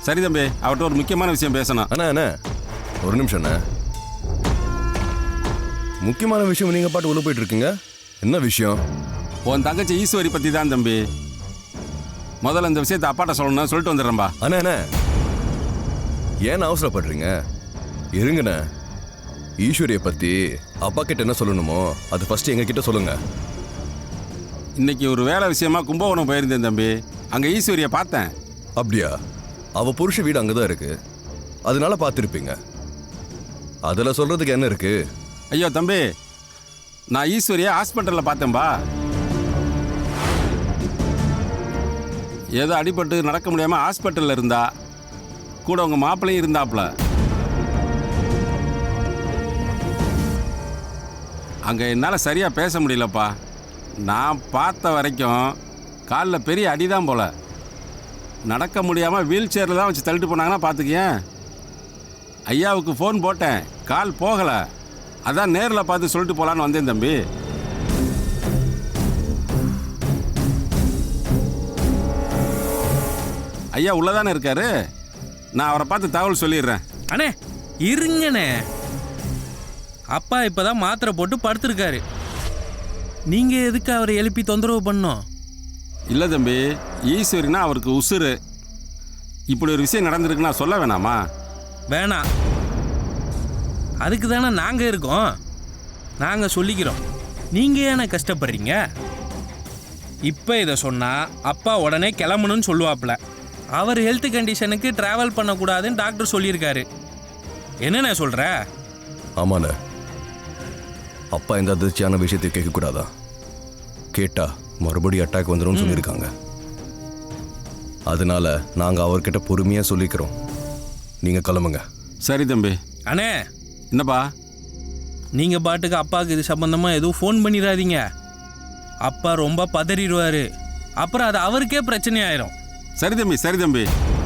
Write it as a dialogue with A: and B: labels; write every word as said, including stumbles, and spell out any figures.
A: சரி தம்பி, அவர்கிட்ட ஒரு முக்கியமான விஷயம் பேசணும்.
B: அண்ணா அண்ணா ஒரு நிமிஷம் அண்ணா. முக்கியமான விஷயம் நீங்கள் பாட்டு உள்ள போயிட்டு இருக்கீங்க. என்ன விஷயம்?
A: உன் தங்கச்சி ஈஸ்வரி பற்றி தான் தம்பி. முதல்ல இந்த விஷயத்தை அப்பாட்ட சொல்லணும், சொல்லிட்டு வந்துடுறேன்பா.
B: அண்ணா அண்ணா ஏன் அவசரப்படுறீங்க? இருங்கண்ணே. ஈஸ்வரியை பற்றி அப்பா கிட்ட என்ன சொல்லணுமோ அது ஃபர்ஸ்ட் எங்ககிட்ட சொல்லுங்க.
A: இன்னைக்கு ஒரு வேலை விஷயமா கும்பகோணம் போயிருந்தேன் தம்பி. அங்கே ஈஸ்வரியை பார்த்தேன்.
B: அப்படியா? அவ புருஷ வீடு அங்கே தான் இருக்கு, அதனால பார்த்துருப்பீங்க. அதில் சொல்றதுக்கு என்ன இருக்கு?
A: ஐயோ தம்பி, நான் ஈஸ்வரியை ஹாஸ்பிட்டலில் பார்த்தேன்பா. ஏதோ அடிபட்டு நடக்க முடியாமல் ஹாஸ்பிட்டலில் இருந்தா. கூட உங்கள் மாப்பிள்ளையும் இருந்தாப்புல. அங்கே என்னால் சரியாக பேச முடியலப்பா. நான் பார்த்த வரைக்கும் காலில் பெரிய அடிதான் போல. நடக்க முடியாமல் வீல் சேரில் தான் வச்சு தள்ளிட்டு போனாங்கன்னா பார்த்துக்கேன். ஐயாவுக்கு ஃபோன் போட்டேன், கால் போகலை. அதான் நேரில் பார்த்து சொல்லிட்டு போகலான்னு வந்தேன் தம்பி. ஐயா உள்ளதானே இருக்காரு, நான் அவரை பார்த்து தகவல் சொல்லிடுறேன்.
C: அண்ணே இருங்கண்ணே, அப்பா இப்போதான் மாத்திரை போட்டு படுத்திருக்காரு. நீங்கள் எதுக்கு அவரை எழுப்பி தொந்தரவு பண்ணோம்?
A: இல்லை தம்பி, ஈஸ்வரினா அவருக்கு உசுறு. இப்படி ஒரு விஷயம் நடந்திருக்குன்னா சொல்ல வேணாமா?
C: வேணாம், அதுக்கு தானே நாங்கள் இருக்கோம். நாங்கள் சொல்லிக்கிறோம். நீங்கள் ஏன்னா கஷ்டப்படுறீங்க? இப்போ இதை சொன்னால் அப்பா உடனே கிளம்பணும்னு சொல்லுவாப்புல. அவர் ஹெல்த் கண்டிஷனுக்கு ட்ராவல் பண்ணக்கூடாதுன்னு டாக்டர் சொல்லியிருக்காரு. என்னண்ணே சொல்கிற?
B: ஆமாண்ணே, அப்பா எந்த அதிர்ச்சியான விஷயத்தை கேட்கக்கூடாதா? கேட்டா மறுபடியும் அட்டாக் வந்துடும் சொல்லியிருக்காங்க. அதனால நாங்கள் அவர்கிட்ட பொறுமையாக சொல்லிக்கிறோம். நீங்கள் கிளம்புங்க.
A: சரி தம்பி.
C: அண்ணே
A: என்னப்பா?
C: நீங்கள் பாட்டுக்கு அப்பாவுக்கு இது சம்பந்தமாக எதுவும் ஃபோன் பண்ணிடாதீங்க. அப்பா ரொம்ப பதறிடுவார். அப்புறம் அது அவருக்கே பிரச்சனை ஆயிரும்.
A: சரி தம்பி, சரி தம்பி.